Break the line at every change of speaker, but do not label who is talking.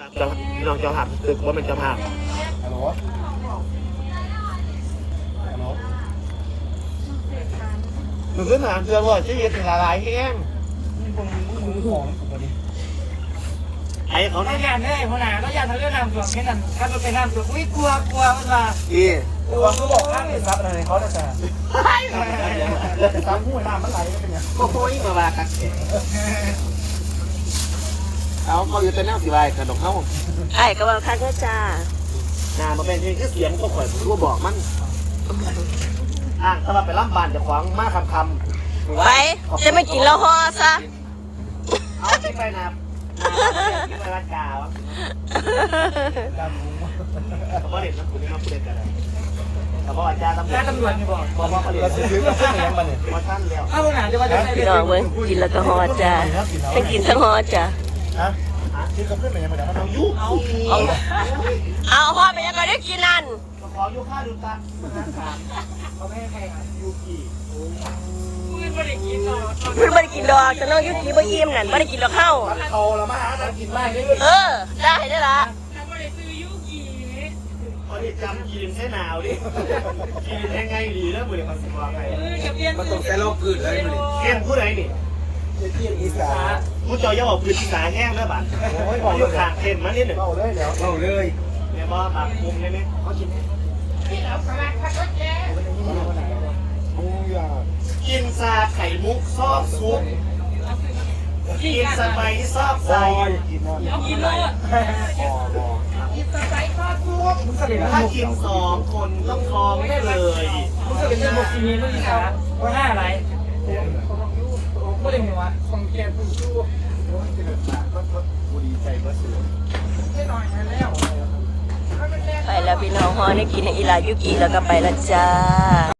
น้องเจ้าภาพคือว่าเป็นเจ้าภาพฮัลโหลหนูขึ้นหาเตือนว่าชีวิตถึงหลายแห้งไอ้เขา
เขาอยากได้หัวหน้าเขาอยากทำเรื่องน้ำท่วมแค่นั้นถ้ามันเป็นน้ำท่วมอุ้ยกลัวมันมาตัวเขาบอกข้ามเลยซับอะไรเขาจะซับหัวน้ำมันไหลก็เป็นอย่าง
โอ้ยมาคักเอาเขาอยู่แต่แนวสีใบกระดกเขา
ไอ้ก็ว่าคักก็จ้า
นามาเป็นที่เสียงก็ข่อยผมก็บอกมันถ้าเราไปล่ำบานจะขวางมากคำ
ไว้จะไม่กินแล้วห่อซะ
เอาที่ไปนะที่ไปรัดกาวเขาบอกเด็กนะคุณนี่มาพูดกันเลยเขาบอกอาจารย์ต
ำรวจนี่บอก
เขาเรียนเราซื้อมาซื้อยังมาเนี่ยมาท่านเดียว
ถ้าหัวหน้าจะมาจะ
พี่น้องเว้ยกินแล้วก็ห่อจ้าให้กินทั้งห่อจ้า
ที่เขาขึ้นไปยังไงมันเอายุ
เอาห่อไปยังไงได้กินนั่น
ขอยุค่าดูตัน
เขาไม่ให้ใคร
ยูกิ
ไม่ได้กินดอกจะน้องยุกี้บ่ยิ้มนั่นไม่ได้กินดอกเข้า
เขาละมาหากินมากเลย
ได้ละ
พอได้จำกินแค่หนาวดิกินยังไงดีแล้วมือมันสิว่าไง
มันต้องใช้โลกพื้นเลยมัน
เอ็มผู้ใดนี่
อีสาน
ผู้เจ้าย่าบอกพื้นอีสานแห้งแล้วบัดอยู่ข้างเข็มมาเนี่ย
เบาเลยแล้วเบาเลย
เนี่ยบ่ปากมุมได้ไหมเขากินกินซาไข่มุกซอกซุปกินสไปซอกใส่
กินเลยกินสไปซอกซุป
ถ้ากิน2 คนต้องท้องได้เลย
มึงจะเป็นหมกซีนีมึงอีกแล้วว่าห้าอะไรไม่ได้มีวะของแกผู้ชู้
บุรีใจก็สวย
ไม่หน่อยแล้ว
ไปแล้วพี่น้องห่อได้กินอีลายุกี้แล้วก็ไปแล้วจ้า